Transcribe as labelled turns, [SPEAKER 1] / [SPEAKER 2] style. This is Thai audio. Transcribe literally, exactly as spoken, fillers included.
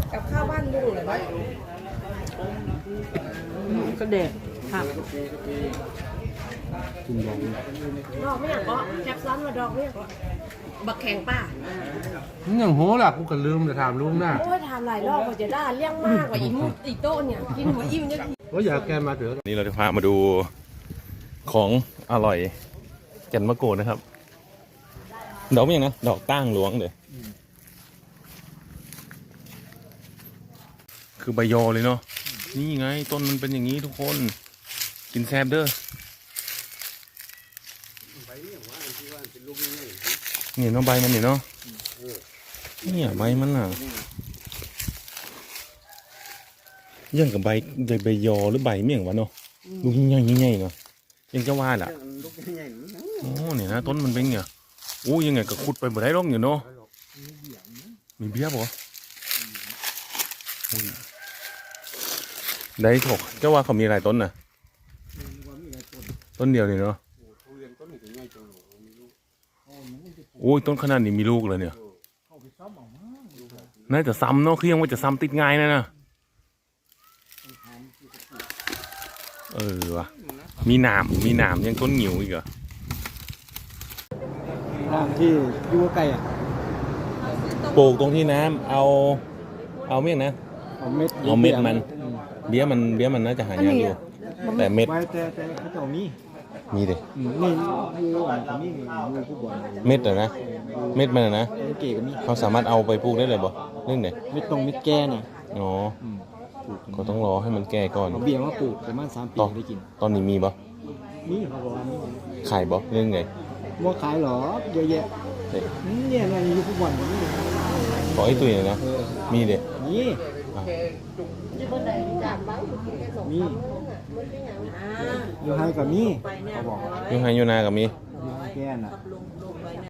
[SPEAKER 1] กับข้าวบ้านดูเลยไหมก็เด็กครับ
[SPEAKER 2] กินดอง
[SPEAKER 1] ดอกไม่อยากก็แคปซันมาดอกไม่อยากก็บักแข็งป่ะ
[SPEAKER 2] มันอย่างโหล่ะกูก็ลืมจะถามลุงนะ
[SPEAKER 1] โอ้ยถามหลายรอบกว่าจะได้เลี้ยงมากกว่าอีมุอีโต้เนี่ยกินหัวอิ่มจะ
[SPEAKER 2] ว่าอยากแกมาเถอะ
[SPEAKER 3] นี่เราจะพามาดูของอร่อยแก่นมะกรูดนะครับดอกไม่ยังนะดอกตั้งหลวงเลยคือใบยอเลยเนาะนี่ไงต้นมันเป็นอย่างนี้ทุกคนกินแซบเด้อเนี่ยเนาะใบมันเนี่ยเนาะเนี่ยใบมันน่ะยังกับใบใบยอหรือใบเมี่ยงวะเนาะลูกใหญ่ใหญ่เนาะยังจะว่าล่ะโอ้เนี่ยนะต้นมันเป็นไงโอ้ยังไงก็ขุดไปบ่ได้หรอกอยู่เนาะมีเบี้ยบ่ได้ถกเจ้าว่าเขามีหลายต้นน่ะต้นเดียวเลยเนาะโอ้ยต้นขนาดนี้มีลูกเลยเนี่ยน่าจะซ้ำเนาะคือยังว่าจะซ้ำติดง่ายนะนะเออวะมีหนามมีหนามยังต้นหงิวอีกเหรอ
[SPEAKER 2] ทางที่ยู่ใกล้อ่ะ
[SPEAKER 3] ปลูกตรงที่น้ำเอาเอาเมี่ยงนะ
[SPEAKER 2] เอาเม็ด
[SPEAKER 3] เอาเม็ดมันเบี้ยมันเบี้ยมันน่าจะหายากอยู่แต่เม็ด
[SPEAKER 2] แต่แต่เขาจะมี
[SPEAKER 3] มีดิ
[SPEAKER 2] นี่ยูอ่ะนี่ยูผู้บอล
[SPEAKER 3] เม็ดเหรอนะเม็ดมันนะ
[SPEAKER 2] เก๋กว่านี้
[SPEAKER 3] เขาสามารถเอาไปปลูกได้เลยบ่เรื่องไหน
[SPEAKER 2] เม็ดตรงเม็ดแก่น่ะ
[SPEAKER 3] อ๋อก็ต้องรอให้มันแก่ก่อน
[SPEAKER 2] เบี้ยมาปลูกประมาณสามปีได้กิน
[SPEAKER 3] ตอนนี้มีบ่
[SPEAKER 2] มีเขาบอกว่ามี
[SPEAKER 3] ขายบ่เรื่องไง
[SPEAKER 2] ว่าขายหรอเยอะแยะเนี่ยมันยูผู้บอลนี่
[SPEAKER 3] ขอไอ้ตุ้ยนะมีเด็
[SPEAKER 2] นี่มียูไฮกับมีเขาบอก
[SPEAKER 3] ยูไฮยูนากับมี
[SPEAKER 2] แก่น่ะ